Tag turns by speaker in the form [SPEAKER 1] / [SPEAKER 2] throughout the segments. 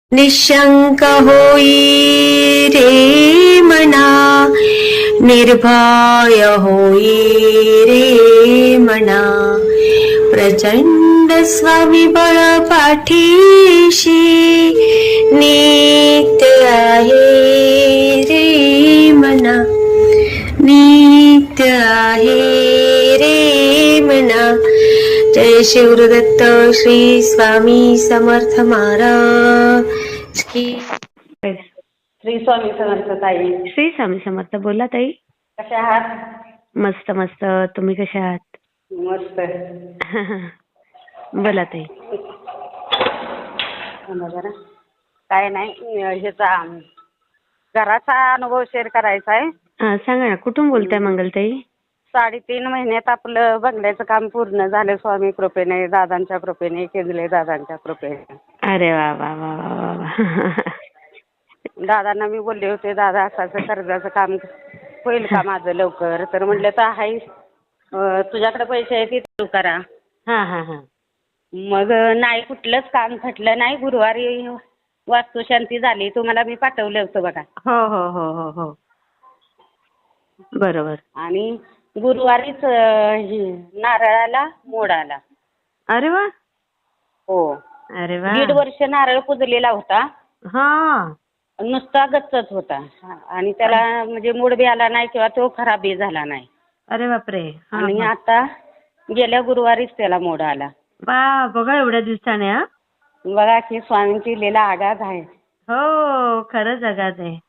[SPEAKER 1] निशंक होई रे मना, निर्भय होई रे मना, प्रचंड स्वामीबळ पाठीशी नित्य आहे रे मना, नित्य आहे रे मना. जय शिवदत्त श्री स्वामी समर्थ महाराज की.
[SPEAKER 2] श्री स्वामी समर्थ ताई.
[SPEAKER 1] श्री स्वामी समर्थ. बोला ताई.
[SPEAKER 2] कशा आहात?
[SPEAKER 1] मस्त मस्त. तुम्ही कशा आहात?
[SPEAKER 2] मस्त.
[SPEAKER 1] बोला ताई.
[SPEAKER 2] जरा काय नाही, ह्याचा घराचा अनुभव शेअर करायचा आहे.
[SPEAKER 1] हा सांगा ना. कुठून बोलताय मंगलताई?
[SPEAKER 2] 3.5 महिन्यात आपलं बंगल्याचं काम पूर्ण झालं स्वामी कृपेने, दादांच्या कृपेने, केंद्रे दादांच्या कृपेने.
[SPEAKER 1] अरे वा वा वा वा वा.
[SPEAKER 2] दादांना मी बोलले होते, दादा असं कर्जाचं काम होईल का माझं लवकर? तर म्हटलं तर आहे, तुझ्याकडे पैसे आहेत ते तू करा.
[SPEAKER 1] हा हा हा.
[SPEAKER 2] मग नाही, कुठलंच काम खटलं नाही. गुरुवारी वास्तुशांती झाली, तुम्हाला मी पाठवलं होतं बघा.
[SPEAKER 1] हो हो हो हो हो. बरोबर.
[SPEAKER 2] आणि गुरुवारीच नारळाला मोड आला.
[SPEAKER 1] अरे वा.
[SPEAKER 2] हो.
[SPEAKER 1] अरे वा.
[SPEAKER 2] 1.5 वर्ष नारळ पुजलेला होता,
[SPEAKER 1] हा.
[SPEAKER 2] नुसता गच्चच होता आणि त्याला म्हणजे मूड बी आला नाही किंवा तो खराबही झाला नाही.
[SPEAKER 1] अरे बापरे.
[SPEAKER 2] आणि आता गेल्या गुरुवारीच त्याला मोड आला.
[SPEAKER 1] बघा एवढ्या दिवसाने. हा
[SPEAKER 2] बघा की स्वामींची लीला आगाध आहे.
[SPEAKER 1] हो, खरंच आगाध आहे.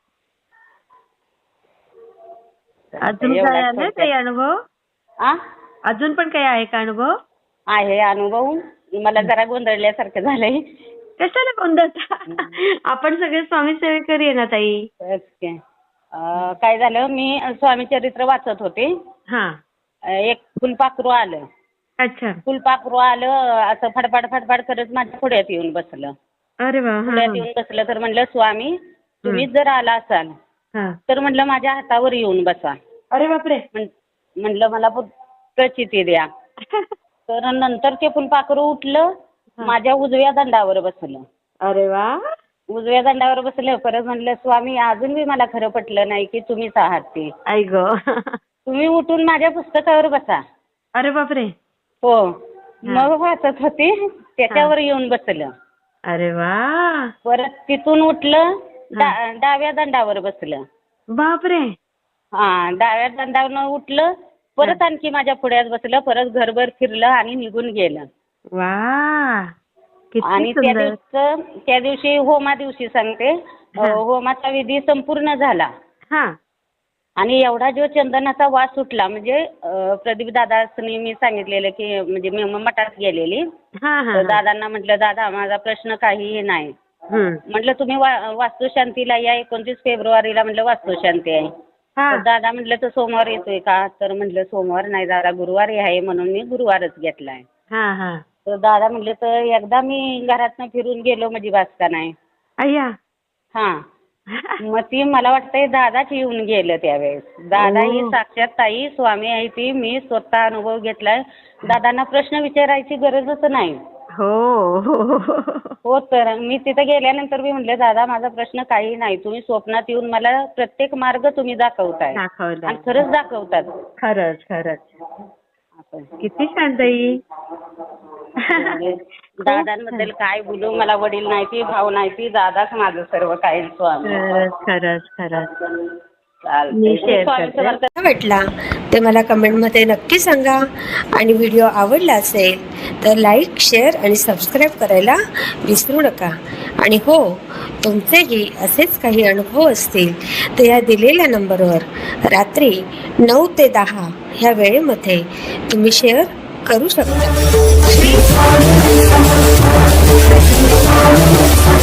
[SPEAKER 1] अजून काय आलं काही अनुभव? अजून पण काही आहे का अनुभव?
[SPEAKER 2] आहे अनुभव. मला जरा गोंधळल्यासारखं झालंय.
[SPEAKER 1] कशाला गोंधळता? आपण सगळे स्वामी सेवेकरी आहे ना ताई.
[SPEAKER 2] काय झालं, मी स्वामी चरित्र वाचत होते.
[SPEAKER 1] हा.
[SPEAKER 2] एक फुलपाखरू आलं.
[SPEAKER 1] अच्छा.
[SPEAKER 2] फुलपाखरू आलं, असं फडफड फडफड करत माझ्या पुढ्यात येऊन बसलं.
[SPEAKER 1] अरे वा.
[SPEAKER 2] पुढ्यात येऊन बसलं तर म्हणलं, स्वामी तुम्ही जर आला असाल तर म्हणलं माझ्या हातावर येऊन बसा.
[SPEAKER 1] अरे बापरे.
[SPEAKER 2] म्हणलं मला प्रचिती द्या. तर नंतर ते फुलपाखरू उठलं, माझ्या उजव्या दंडावर बसलं.
[SPEAKER 1] अरे वा.
[SPEAKER 2] उजव्या दंडावर बसलं. परत म्हणलं, स्वामी अजून बी मला खरं पटलं नाही की तुम्हीच आहात ते.
[SPEAKER 1] आई ग.
[SPEAKER 2] तुम्ही उठून माझ्या पुस्तकावर बसा.
[SPEAKER 1] अरे बापरे.
[SPEAKER 2] हो. मग वाचत होते, त्याच्यावर येऊन बसलं.
[SPEAKER 1] अरे वा.
[SPEAKER 2] परत तिथून उठलं, डाव्या दंडावर बसलं.
[SPEAKER 1] बापरे.
[SPEAKER 2] हा, डाव्या दंडावर उठलं, परत आणखी माझ्या पुढ्यात बसलं. परत घरभर फिरलं आणि निघून गेलं.
[SPEAKER 1] वा.
[SPEAKER 2] आणि त्या दिवशी होमा दिवशी सांगते, होमाचा विधी संपूर्ण झाला. आणि एवढा जो चंदनाचा वास सुटला, म्हणजे प्रदीप दादांनी मी सांगितलेलं की म्हणजे मी मठात गेलेली. दादांना म्हटलं, दादा माझा प्रश्न काहीही नाही. म्हटलं तुम्ही वास्तुशांतीला या, 29 फेब्रुवारीला म्हटलं वास्तुशांती आहे. तर दादा म्हटलं तर सोमवार येतोय का? तर म्हटलं सोमवार नाही दादा, गुरुवारी आहे, म्हणून मी गुरुवारच घेतलाय. तर दादा म्हटले तर एकदा मी घरातनं फिरून गेलो म्हणजे बास का नाही. मग ती मला वाटतंय दादाच येऊन गेलं त्यावेळेस. दादा ही साक्षात ताई स्वामी आहे ती. मी स्वतः अनुभव घेतलाय. दादांना प्रश्न विचारायची गरजच नाही. हो. तर मी तिथे गेल्यानंतर मी म्हटले, दादा माझा प्रश्न काही नाही, तुम्ही स्वप्नात येऊन मला प्रत्येक मार्ग तुम्ही दाखवताय आणि खरंच दाखवतात.
[SPEAKER 1] खरंच खरंच. किती छान ताई.
[SPEAKER 2] दादांबद्दल काय बोलू, मला वडील नाही ती, भाऊ नाही ती, दादाच माझं सर्व काही. स्वामी.
[SPEAKER 1] खरंच खरंच.
[SPEAKER 3] वाटला ते मला कमेंटमध्ये नक्की सांगा. आणि व्हिडिओ आवडला असेल तर लाईक, शेअर आणि सबस्क्राईब करायला विसरू नका. आणि हो, तुमचेही असेच काही अनुभव असतील तर या दिलेल्या नंबरवर रात्री 9 ते 10 ह्या वेळेमध्ये तुम्ही शेअर करू शकता.